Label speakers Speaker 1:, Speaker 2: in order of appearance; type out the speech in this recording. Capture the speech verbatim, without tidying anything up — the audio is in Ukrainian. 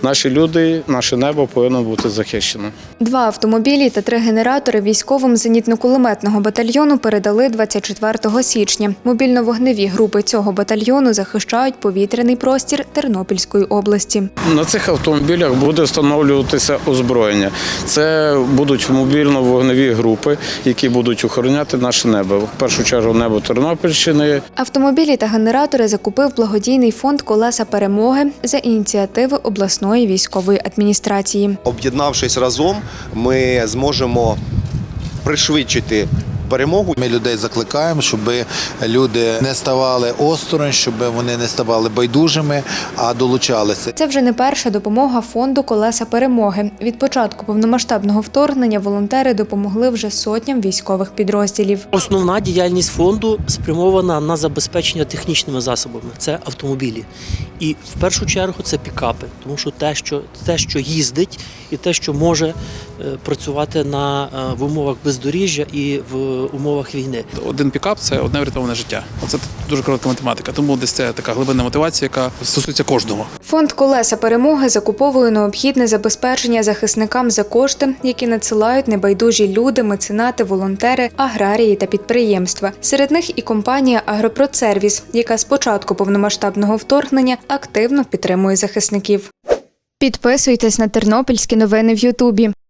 Speaker 1: наші люди, наше небо повинно бути захищено.
Speaker 2: Два автомобілі та три генератори військовим зенітно-кулеметного батальйону передали двадцять четвертого січня. Мобільно-вогневі групи цього батальйону захищають повітряний простір Тернопільської області.
Speaker 1: На цих автомобілях буде встановлюватися озброєння. Це будуть мобільно-вогневі групи, які будуть охороняти наше небо. В першу чергу небо Тернопільщини.
Speaker 2: Автомобілі та генератори закупив благодійний фонд «Колеса перемоги» за ініціативи обласної військової адміністрації.
Speaker 3: Об'єднавшись разом, ми зможемо пришвидшити перемогу.
Speaker 4: Ми людей закликаємо, щоб люди не ставали осторонь, щоб вони не ставали байдужими, а долучалися.
Speaker 2: Це вже не перша допомога фонду «Колеса перемоги». Від початку повномасштабного вторгнення волонтери допомогли вже сотням військових підрозділів.
Speaker 5: Основна діяльність фонду спрямована на забезпечення технічними засобами. Це автомобілі. І в першу чергу це пікапи, тому що те, що, те, що їздить і те, що може працювати на, в умовах бездоріжжя і в умовах війни.
Speaker 6: Один пікап – це одне врятоване життя. Це дуже коротка математика, тому десь це така глибинна мотивація, яка стосується кожного.
Speaker 2: Фонд «Колеса перемоги» закуповує необхідне забезпечення захисникам за кошти, які надсилають небайдужі люди, меценати, волонтери, аграрії та підприємства. Серед них і компанія «Агропродсервіс», яка з початку повномасштабного вторгнення активно підтримує захисників. Підписуйтесь на тернопільські новини в Ютубі.